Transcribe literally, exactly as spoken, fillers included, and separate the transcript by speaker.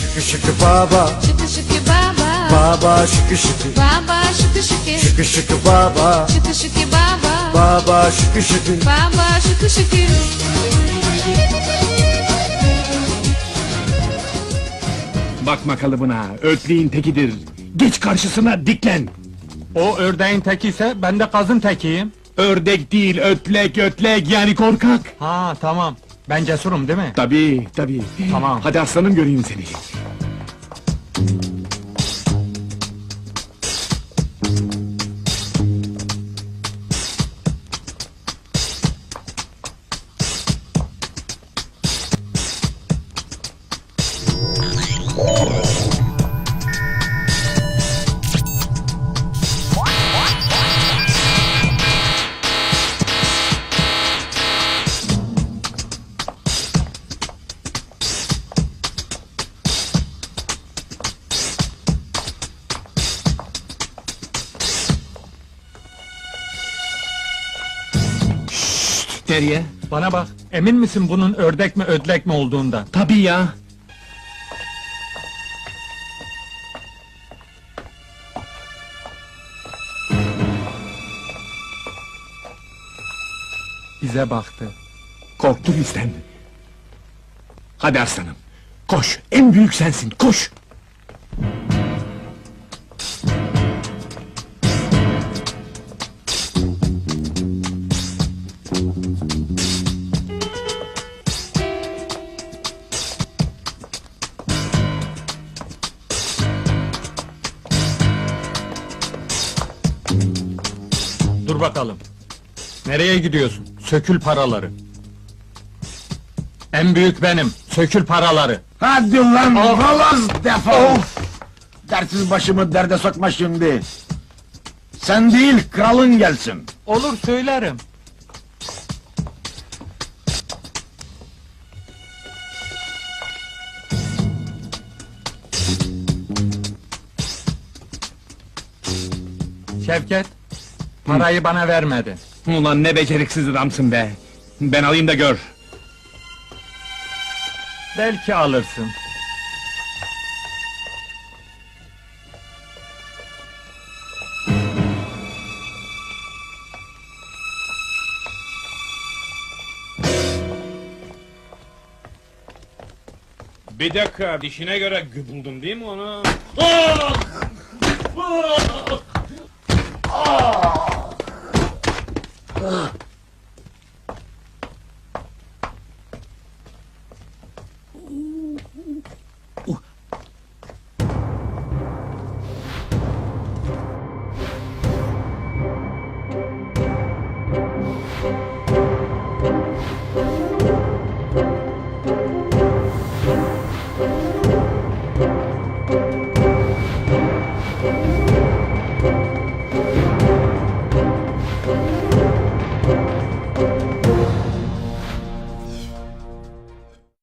Speaker 1: Şıkı şıkı baba,
Speaker 2: Şıkı şıkı baba,
Speaker 1: baba şıkı şıkı.
Speaker 2: baba şıkı şıkı.
Speaker 1: Şıkı şıkı baba,
Speaker 2: Şıkı şıkı baba,
Speaker 1: baba şıkı şıkı.
Speaker 2: baba şıkı şıkı.
Speaker 3: Bakma kalıbına, ötleğin tekidir. Geç karşısına, diklen.
Speaker 4: O ördeğin teki ise ben de kazın tekiyim.
Speaker 3: Ördek değil, ötlek, ötlek, yani korkak.
Speaker 4: Ha tamam. Ben cesurum değil mi?
Speaker 3: Tabii, tabii.
Speaker 4: Tamam.
Speaker 3: Hadi aslanım, göreyim seni. Nereye?
Speaker 4: Bana bak. Emin misin bunun ördek mi ödlek mi olduğundan?
Speaker 3: Tabii ya.
Speaker 4: Bize baktı.
Speaker 3: Korktu bizden. Hadi aslanım, koş, en büyük sensin, koş!
Speaker 4: Dur bakalım. Nereye gidiyorsun? Sökül paraları. En büyük benim. Sökül paraları.
Speaker 5: Hadi lan
Speaker 4: Of!
Speaker 5: balaz defol! Dertsiz başımı derde sokma şimdi! Sen değil, kralın gelsin!
Speaker 4: Olur söylerim. Şevket, parayı bana vermedi.
Speaker 3: Ulan ne beceriksiz adamsın be! Ben alayım da gör!
Speaker 4: Belki alırsın.
Speaker 6: Bir dakika, dişine göre gü- buldum değil mi onu?